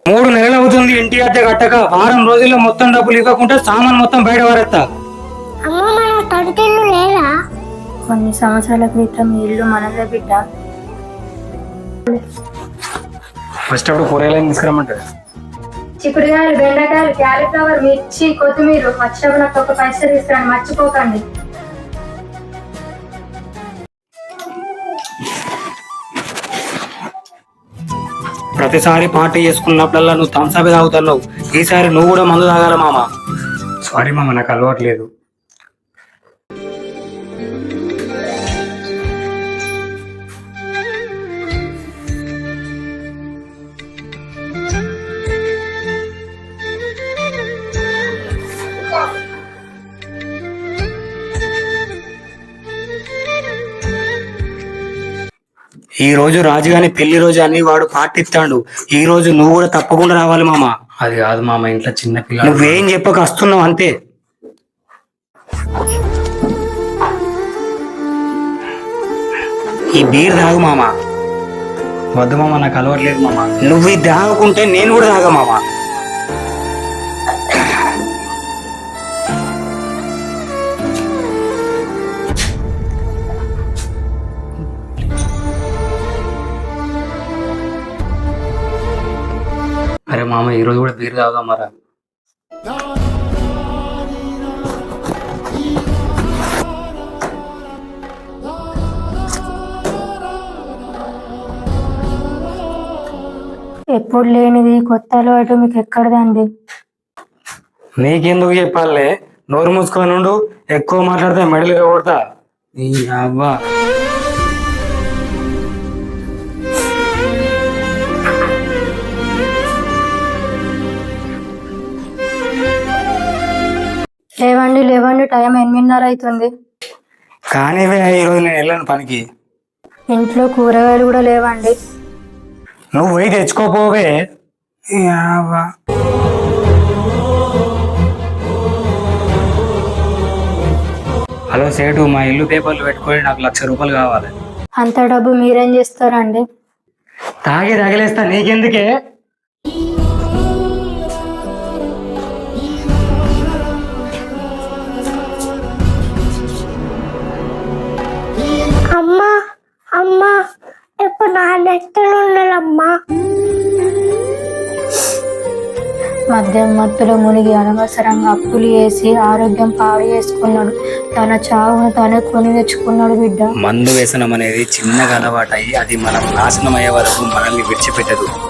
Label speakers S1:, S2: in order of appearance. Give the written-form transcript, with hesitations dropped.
S1: 3 నెలలు అవుతుంది ఇంటి అద్దె కట్టక. వారం రోజుల్లో మొత్తం డబ్బులు ఇవ్వకుండా సామాన్ మొత్తం బయట పడేస్తా.
S2: అమ్మ మన తడితెల్లు లేదా?
S3: కొన్ని సంవత్సరాల క్రితం ఈ ఇల్లు మనదే బిడ్డ.
S1: ఫస్ట్ అప్పుడు కూరగాయలు తీసుకురమ్మంటారు.
S3: చిక్కుడుకాయలు, బెండకాయలు, క్యాలీఫ్లవర్, మిర్చి, కొత్తిమీర వచ్చినప్పుడు నాకు ఒక పైసలు తీసుకురండి, మర్చిపోకండి.
S1: ప్రతిసారి పార్టీ చేసుకున్నప్పుడల్లా నువ్వు థమ్స్అప్ తాగుతున్నావు. ఈసారి నువ్వు కూడా మందు తాగాల మామ. సారీ మామ, నాకు అలవాట్లేదు. ఈ రోజు రాజుగాని పెళ్లి రోజు అని వాడు పార్టీ ఇస్తాడు. ఈ రోజు నువ్వు కూడా తప్పకుండా రావాలి మామ. అది కాదు మామ, ఇంట్లో చిన్న పిల్ల. నువ్వేం చెప్పక వస్తున్నావు అంతే. ఈ బీర్ తాగు మామ. వద్దు మామ, నాకు అలవాట్లేదు మామ. నువ్వు ఇది తాగుకుంటే నేను కూడా తాగా మామ. అరే మామ, ఈరోజు కూడా బీర్ తాగుదాం మరా.
S3: ఎప్పుడు లేనిది కొత్త అలవాటు మీకు ఎక్కడదండి?
S1: నీకెందుకు చెప్పాలే, నోరు మూసుకొని ఉండు. ఎక్కువ మాట్లాడితే మెడలుగా కొడతా. నీ అవ్వా.
S3: లేవండి లేవండి, టైం 8:30 అవుతుంది.
S1: కానీ ఈరోజు నేను వెళ్ళాను పనికి.
S3: ఇంట్లో కూరగాయలు కూడా లేవండి.
S1: నువ్వు పోయి తెచ్చుకోపోవే. హలో సేటు, మా ఇల్లు పేపర్లు పెట్టుకొని నాకు 1,00,000 రూపాయలు కావాలి.
S3: అంత డబ్బు మీరేం చేస్తారండి?
S1: తాగి తగిలేస్తా, నీకెందుకే.
S2: అమ్మా అమ్మా, ఇప్పుడు నా నెత్తలు ఉండాలమ్మా.
S3: మద్యం మత్తులో మునిగి అనవసరంగా అప్పులు వేసి ఆరోగ్యం పాడు చేసుకున్నాడు. తన చావును తనే కొని తెచ్చుకున్నాడు బిడ్డ.
S1: మందు వ్యసనం అనేది చిన్నగా అలవాటయి అది మనం నాశనం అయ్యే వరకు మనల్ని విడిచిపెట్టదు.